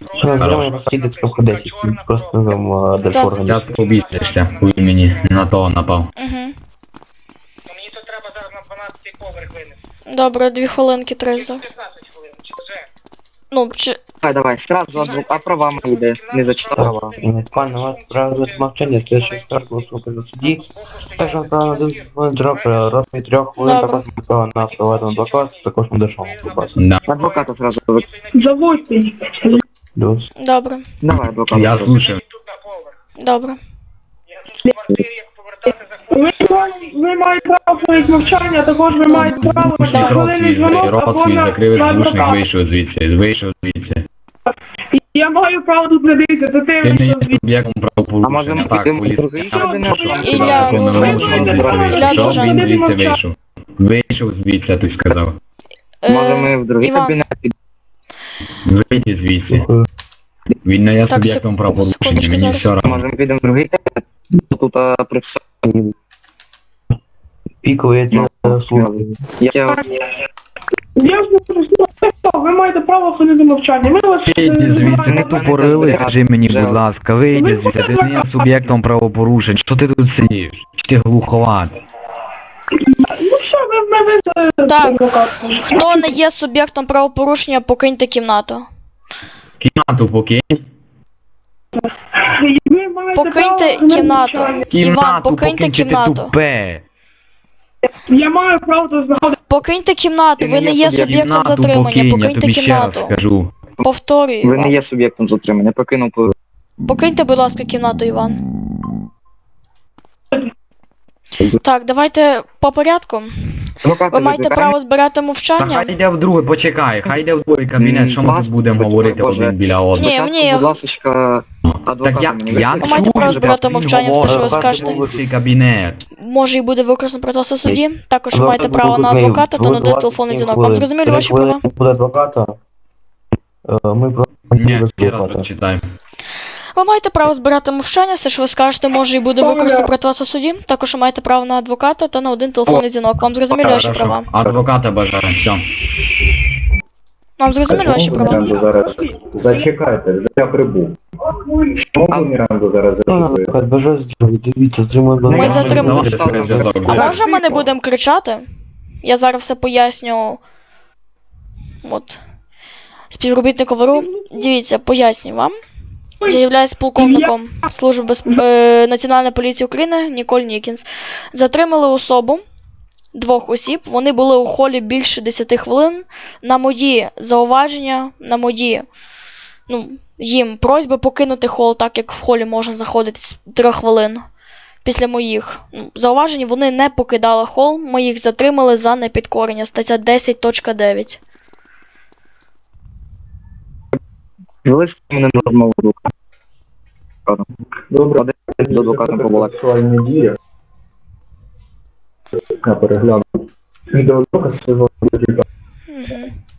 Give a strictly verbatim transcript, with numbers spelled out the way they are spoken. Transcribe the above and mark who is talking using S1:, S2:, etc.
S1: Що не зробимо, просто їдете в десять, просто там дальше організм.
S2: Зараз побійтеся, хуй мені, не на того напав.
S3: Угу.
S4: Мені тут треба зараз на дванадцятий поверх винести.
S3: Добре, дві хвилинки треба зараз.
S4: п'ятнадцять хвилин, чи вже?
S3: Ну, чи...
S5: Давай, давай, сразу адвок... а права мої йде, не зачитав права.
S1: Пане, у вас право мовчання, следующий скарг выступит на суді. Також право на десять хвилин дроб, розмір трьох хвилин,
S3: Добре.
S1: також право на приватний адвокат, також на дешевому адвокату.
S2: Да.
S5: Адвоката сразу вик...
S6: Заводьте.
S1: Плюс.
S3: Добре,
S5: Давай, адвоката.
S2: Я слушаю.
S4: Тут на поверх.
S3: добре.
S4: Я тут в квартирі, як повертати
S6: Ви,
S4: заходити.
S6: ви маєте право на мовчання, також ви маєте право на
S2: Рот
S6: хвилинний
S2: свій,
S6: дзвонок
S2: рот
S6: або
S2: свій
S6: на,
S2: закрив,
S6: на
S2: звучник
S6: адвоката.
S2: вийшов звідси, вийшов звідси.
S6: Я маю право тут не дивитися, це ти
S2: Ти не є
S6: вийшов звідси.
S2: суб'єктом
S5: А
S2: правопорушення,
S5: може ми
S2: так,
S5: підемо в
S2: поліція.
S5: другий
S2: Так,
S5: кабінет?
S2: що вам
S3: Ілля,
S2: сказати,
S3: дуже-
S2: законно вимушено
S3: Ілля,
S2: зробити.
S3: дуже-
S2: Що він звідси вийшов? Вийшов звідси, ти сказав.
S5: Може
S3: Е,
S5: ми в другий
S3: Іван.
S5: кабінет підемо?
S2: Вийди звідси. Він не є
S3: Так,
S2: суб'єктом
S3: сек-
S2: правопорушення,
S3: секундочку,
S2: мені
S3: зараз.
S2: все одно.
S5: Може ми підемо в другий кабінет? Тут а, при всьому.
S1: Пікові служби.
S5: Я тебе...
S6: Я ж не просила, ви маєте право ходити мовчання. Ми вас...
S2: Вийди звідси, не тупорили, скажи мені, будь ласка, вийди звідси, ти не є суб'єктом правопорушень, що ти тут сидиш? Чи ти глуховат?
S6: Ну що, ви в мене...
S3: Так. Хто не є суб'єктом правопорушення, покиньте кімнату.
S2: Кімнату покинь.
S6: Ви маєте
S3: Покиньте
S6: право на
S3: кімнату.
S6: мовчання.
S3: Іван,
S2: Кімнату
S3: покиньте
S2: покинь, чи ти
S3: кімнату.
S2: тупе.
S6: Я маю право тут знаходитися.
S3: Покиньте кімнату,
S5: Ти
S3: ви
S5: не
S3: не
S5: є
S3: є
S5: суб'єкт.
S3: суб'єктом
S2: Кімнату
S3: затримання,
S2: покинь, я
S3: покиньте
S2: тобі ще раз
S3: кімнату.
S2: скажу.
S3: Повторюю,
S5: Ви не
S3: Іван.
S5: є суб'єктом затримання, покинув по...
S3: Покиньте, будь ласка, кімнату, Іван. Так, давайте по порядку.
S5: Адвоката
S3: Ви маєте
S5: викликаємо?
S3: право збирати
S2: Та
S3: мовчання.
S2: хай йде в другий, почекай, хай йде в другий кабінет, що ми
S5: М,
S2: тут будемо
S5: Боже,
S2: говорити
S5: Боже.
S2: один біля одного.
S3: Ні,
S5: Спочатку,
S3: мені-
S5: будь ласочка,
S2: Так
S5: адвоката
S2: я,
S5: мені
S2: я
S3: Ви маєте право
S2: чую,
S3: збирати
S2: він
S3: мовчання, все, що ви
S2: говорить,
S3: скажете.
S2: в цей кабінет.
S3: Може і буде використано проти вас у суді. Також ви
S1: Адвокат
S3: маєте
S1: буде
S3: право на
S1: викликаний
S3: адвоката та
S1: в
S3: на один телефонний дзвінок. Вам
S1: хвилин.
S3: зрозуміли
S1: Три
S3: ваші
S1: хвилини
S3: права?
S1: буде адвоката. Е, Ми просто
S2: Ні,
S1: без
S2: ще раз
S1: адвоката.
S2: прочитай.
S3: Ви маєте право збирати мовчання, все, що ви скажете, може і буде використано проти вас у суді. Також ви маєте право на адвоката та на один телефонний дзвінок. Вам зрозуміли ваші
S2: Хорошо.
S3: права?
S2: Адвоката бажаю, все.
S3: Вам зрозуміли ваші права?
S7: Міранду зараз зачекайте, вже я прибув. Чому Міранду зараз
S1: Ну,
S7: зачекує?
S1: адвокат, бажаю здоров'я, дивіться, затримуємо.
S3: Ми затримали.
S2: Давай, зв'язок.
S3: А може ми не будемо кричати? Я зараз все поясню. От. Співробітнику ВРУ. Дивіться, пояснюю вам. Я являюсь полковником Служби безп... е, Національної поліції України Ніколь Нікінс. Затримали особу, двох осіб. Вони були у холі більше десяти хвилин. На мої зауваження, на мої, ну, їм просьби покинути хол, так як в холі можна заходити з трьох хвилин. Після моїх ну, зауважень вони не покидали хол, ми їх затримали за непідкорення. Стаття десять точка дев'ять.
S5: Вели з мене на розмову з адвокатом.
S7: Добре,
S5: З адвокатом побула.
S7: сексуальні дії. Я перегляну. Відеодоказ свого адвоката.
S3: Угу.